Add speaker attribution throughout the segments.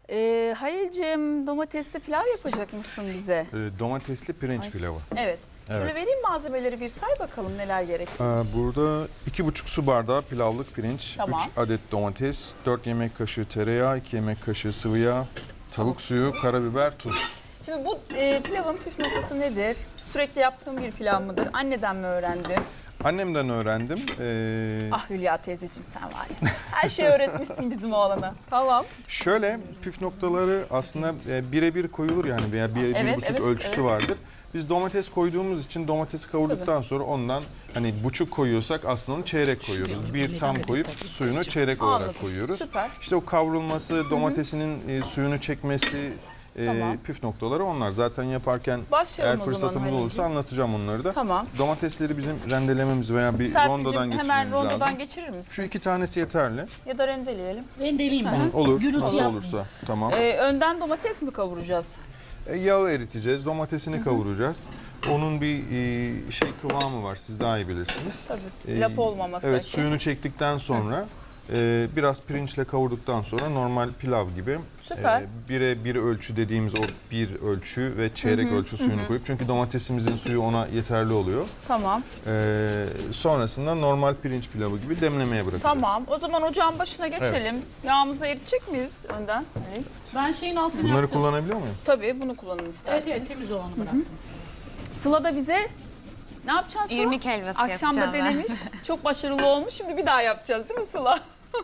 Speaker 1: Halil'cim domatesli pilav yapacak mısın bize?
Speaker 2: Domatesli pirinç pilavı.
Speaker 1: Evet.
Speaker 2: Evet.
Speaker 1: Şöyle vereyim malzemeleri bir say bakalım neler gerekiyormuş.
Speaker 2: Burada 2,5 su bardağı pilavlık pirinç,
Speaker 1: Tamam.
Speaker 2: 3 adet domates, 4 yemek kaşığı tereyağı, 2 yemek kaşığı sıvı yağ, tavuk suyu, karabiber, tuz.
Speaker 1: Şimdi bu pilavın püf noktası nedir? Sürekli yaptığın bir pilav mıdır? Anneden mi öğrendin?
Speaker 2: Annemden öğrendim.
Speaker 1: Ah Hülya teyzeciğim sen var ya. Her şeyi öğretmişsin bizim oğlana. Tamam.
Speaker 2: Şöyle püf noktaları aslında birebir koyulur yani veya 1,5 ölçüsü vardır. Biz domates koyduğumuz için domatesi kavurduktan sonra ondan hani buçuk koyuyorsak aslında onu çeyrek koyuyoruz. Bir tam koyup suyunu çeyrek olarak
Speaker 1: Anladım.
Speaker 2: koyuyoruz.
Speaker 1: Süper.
Speaker 2: İşte o kavrulması, domatesinin suyunu çekmesi,
Speaker 1: Tamam.
Speaker 2: püf noktaları onlar. Zaten yaparken
Speaker 1: Başlayalım
Speaker 2: eğer
Speaker 1: o zaman
Speaker 2: fırsatımız olursa
Speaker 1: Halil'ciğim.
Speaker 2: anlatacağım onları da.
Speaker 1: Tamam.
Speaker 2: Domatesleri bizim rendelememiz veya bir rondodan
Speaker 1: Serpil'cim
Speaker 2: geçirmemiz
Speaker 1: hemen rondodan
Speaker 2: lazım.
Speaker 1: geçirir misin?
Speaker 2: Şu 2 tanesi yeterli.
Speaker 1: Ya da rendeleyelim.
Speaker 3: Rendeleyeyim ben.
Speaker 2: Olur.
Speaker 3: Gürültü
Speaker 2: Nasıl
Speaker 3: yapmayın.
Speaker 2: olursa. Tamam.
Speaker 1: Önden domates mi kavuracağız?
Speaker 2: Yağı eriteceğiz, domatesini kavuracağız. Onun bir kıvamı var, siz daha iyi bilirsiniz.
Speaker 1: Tabii. Lap olmaması.
Speaker 2: Evet,
Speaker 1: için.
Speaker 2: suyunu çektikten sonra biraz pirinçle kavurduktan sonra normal pilav gibi
Speaker 1: Süper.
Speaker 2: bire bir ölçü dediğimiz o bir ölçü ve çeyrek ölçü suyunu koyup çünkü domatesimizin suyu ona yeterli oluyor.
Speaker 1: Tamam.
Speaker 2: Sonrasında normal pirinç pilavı gibi demlemeye bırakacağız.
Speaker 1: Tamam. O zaman ocağın başına geçelim. Yağımızı eritecek miyiz önden? Halil?
Speaker 3: Ben şeyin altını
Speaker 2: Bunları
Speaker 3: yaptım.
Speaker 2: kullanabiliyor muyum?
Speaker 1: Tabii bunu kullanın
Speaker 3: Evet
Speaker 1: isterseniz.
Speaker 3: evet temiz olanı bıraktım size.
Speaker 1: Sıla da bize ne yapacaksın Sıla?
Speaker 4: İrmik helvası
Speaker 1: Akşam da
Speaker 4: yapacağım ben.
Speaker 1: denemiş. Çok başarılı olmuş. Şimdi bir daha yapacağız değil mi Sıla?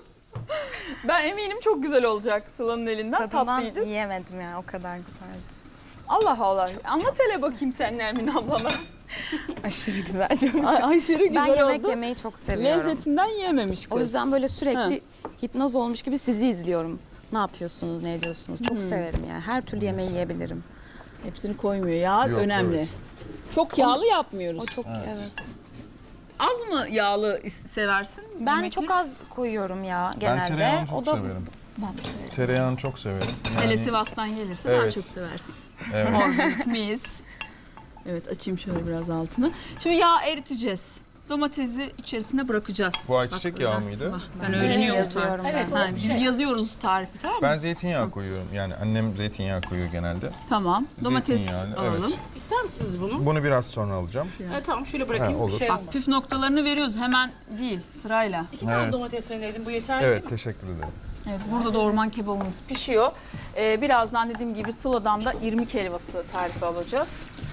Speaker 1: Ben eminim çok güzel olacak Sıla'nın elinden. Tatlı
Speaker 4: Tadından
Speaker 1: yiyeceğiz.
Speaker 4: yiyemedim ya, o kadar güzeldi.
Speaker 1: Allah Allah. Anlat hele bakayım sen Nermin ablana.
Speaker 4: Aşırı güzel. Çok
Speaker 1: Aşırı güzel
Speaker 4: ben yemek
Speaker 1: oldu.
Speaker 4: yemeyi çok seviyorum.
Speaker 1: Lezzetinden yiyememiş kız.
Speaker 4: O yüzden böyle sürekli hipnoz olmuş gibi sizi izliyorum. Ne yapıyorsunuz, ne ediyorsunuz? Çok severim yani. Her türlü yemeği yiyebilirim.
Speaker 1: Hepsini koymuyor. Yağ
Speaker 2: Yok,
Speaker 1: önemli.
Speaker 2: evet.
Speaker 1: Çok yağlı yapmıyoruz.
Speaker 4: O çok evet.
Speaker 1: Az mı yağlı seversin?
Speaker 4: Ben
Speaker 1: yemekleri?
Speaker 4: çok az koyuyorum ya genelde.
Speaker 2: Ben tereyağını çok
Speaker 4: o da
Speaker 2: severim.
Speaker 1: Ben de severim.
Speaker 2: Tereyağını çok severim.
Speaker 1: Hele
Speaker 2: Yani-
Speaker 1: Sivas'tan gelirse daha
Speaker 2: Evet.
Speaker 1: çok seversin.
Speaker 2: Evet.
Speaker 1: Organik mis. Evet açayım şöyle biraz altını. Şimdi yağ eriteceğiz. Domatesi içerisine bırakacağız.
Speaker 2: Bu ayçiçek
Speaker 1: Bak,
Speaker 2: yağı
Speaker 1: buradan
Speaker 2: mıydı?
Speaker 1: Sıla. Ben öğreniyorum
Speaker 4: yazıyorum
Speaker 1: tarifi.
Speaker 3: Evet,
Speaker 4: ben.
Speaker 3: o
Speaker 1: Ha, biz yazıyoruz tarifi tamam mı?
Speaker 2: Ben zeytinyağı koyuyorum. Yani annem zeytinyağı koyuyor genelde.
Speaker 1: Tamam. Domates
Speaker 2: Zeytinyağlı,
Speaker 1: alalım.
Speaker 2: evet.
Speaker 3: İster misiniz bunu?
Speaker 2: Bunu biraz sonra alacağım.
Speaker 3: Tamam şöyle bırakayım.
Speaker 2: Ha, olur.
Speaker 3: Şey
Speaker 1: Bak
Speaker 3: olmaz.
Speaker 1: püf noktalarını veriyoruz hemen değil sırayla.
Speaker 3: 2 tane
Speaker 2: Evet.
Speaker 3: domates rendeledim. Bu yeterli
Speaker 2: Evet,
Speaker 3: değil mi?
Speaker 2: teşekkür ederim.
Speaker 1: Evet, burada da orman kebabımız pişiyor. Birazdan dediğim gibi Sıla'dan da irmik helvası tarifi alacağız.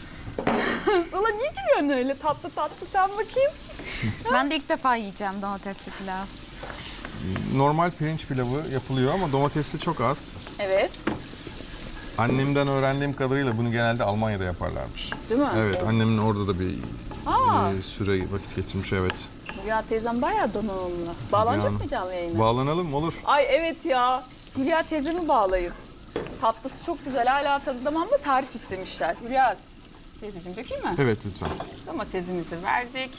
Speaker 1: Sıla niye gülüyorsun öyle tatlı tatlı sen bakayım.
Speaker 4: Ben de ilk defa yiyeceğim domatesli pilav.
Speaker 2: Normal pirinç pilavı yapılıyor ama domatesli çok az.
Speaker 1: Evet.
Speaker 2: Annemden öğrendiğim kadarıyla bunu genelde Almanya'da yaparlarmış.
Speaker 1: Değil mi?
Speaker 2: Evet, annemin orada da bir
Speaker 1: Aa.
Speaker 2: süre vakit geçirmiş, evet.
Speaker 1: Hülya teyzem bayağı donanımlı. Bağlanacak
Speaker 2: Yani-
Speaker 1: mı canlı yayına?
Speaker 2: Bağlanalım olur.
Speaker 1: Ay evet ya. Hülya teyzemi bağlayın. Tatlısı çok güzel. Hala tadı damağımda tarif istemişler. Hülya teyzeciğim dökeyim mi?
Speaker 2: Evet, lütfen.
Speaker 1: Domatesimizi verdik.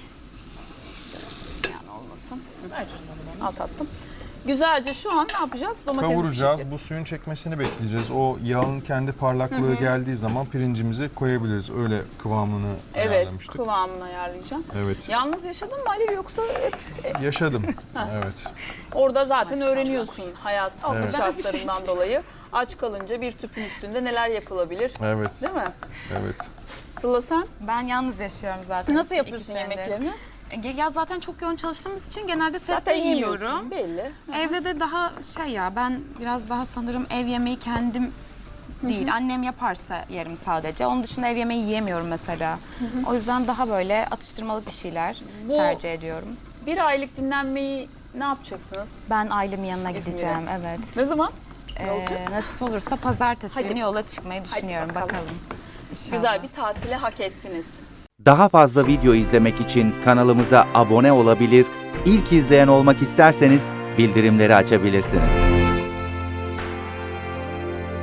Speaker 1: Yani olmasın.
Speaker 3: Ver canım onu bana.
Speaker 1: Al tatlım. Güzelce şu an ne yapacağız? Domatesi
Speaker 2: Kavuracağız,
Speaker 1: pişireceğiz.
Speaker 2: bu suyun çekmesini bekleyeceğiz. O yağın kendi parlaklığı geldiği zaman pirincimizi koyabiliriz. Öyle kıvamını
Speaker 1: Evet,
Speaker 2: ayarlamıştık.
Speaker 1: kıvamını ayarlayacağım.
Speaker 2: Evet,
Speaker 1: Yalnız yaşadın mı Ali yoksa hep
Speaker 2: yaşadım. Evet.
Speaker 1: orada zaten öğreniyorsun hayat
Speaker 2: Evet.
Speaker 1: şartlarından dolayı. Aç kalınca bir tüpün üstünde neler yapılabilir
Speaker 2: Evet,
Speaker 1: değil mi?
Speaker 2: evet.
Speaker 1: Sıla sen
Speaker 4: Ben yalnız yaşıyorum zaten.
Speaker 1: nasıl
Speaker 4: 2
Speaker 1: yapıyorsun
Speaker 4: senedir.
Speaker 1: yemeklerini?
Speaker 4: Ya zaten çok yoğun çalıştığımız için genelde sette
Speaker 1: Zaten
Speaker 4: yiyorum.
Speaker 1: yemiyorsun belli.
Speaker 4: Evde de daha ya ben biraz daha sanırım ev yemeği kendim değil. Annem yaparsa yerim sadece. Onun dışında ev yemeği yiyemiyorum mesela. O yüzden daha böyle atıştırmalık bir şeyler
Speaker 1: Bu-
Speaker 4: tercih ediyorum.
Speaker 1: Bir aylık dinlenmeyi ne yapacaksınız?
Speaker 4: Ben ailemin yanına
Speaker 1: İzmir'e.
Speaker 4: gideceğim, evet.
Speaker 1: Ne zaman?
Speaker 4: Nasip olursa pazartesi
Speaker 1: Hadi.
Speaker 4: günü yola çıkmayı düşünüyorum.
Speaker 1: bakalım.
Speaker 4: Bakalım. İnşallah.
Speaker 1: Güzel bir tatile hak ettiniz.
Speaker 5: Daha fazla video izlemek için kanalımıza abone olabilir, ilk izleyen olmak isterseniz bildirimleri açabilirsiniz.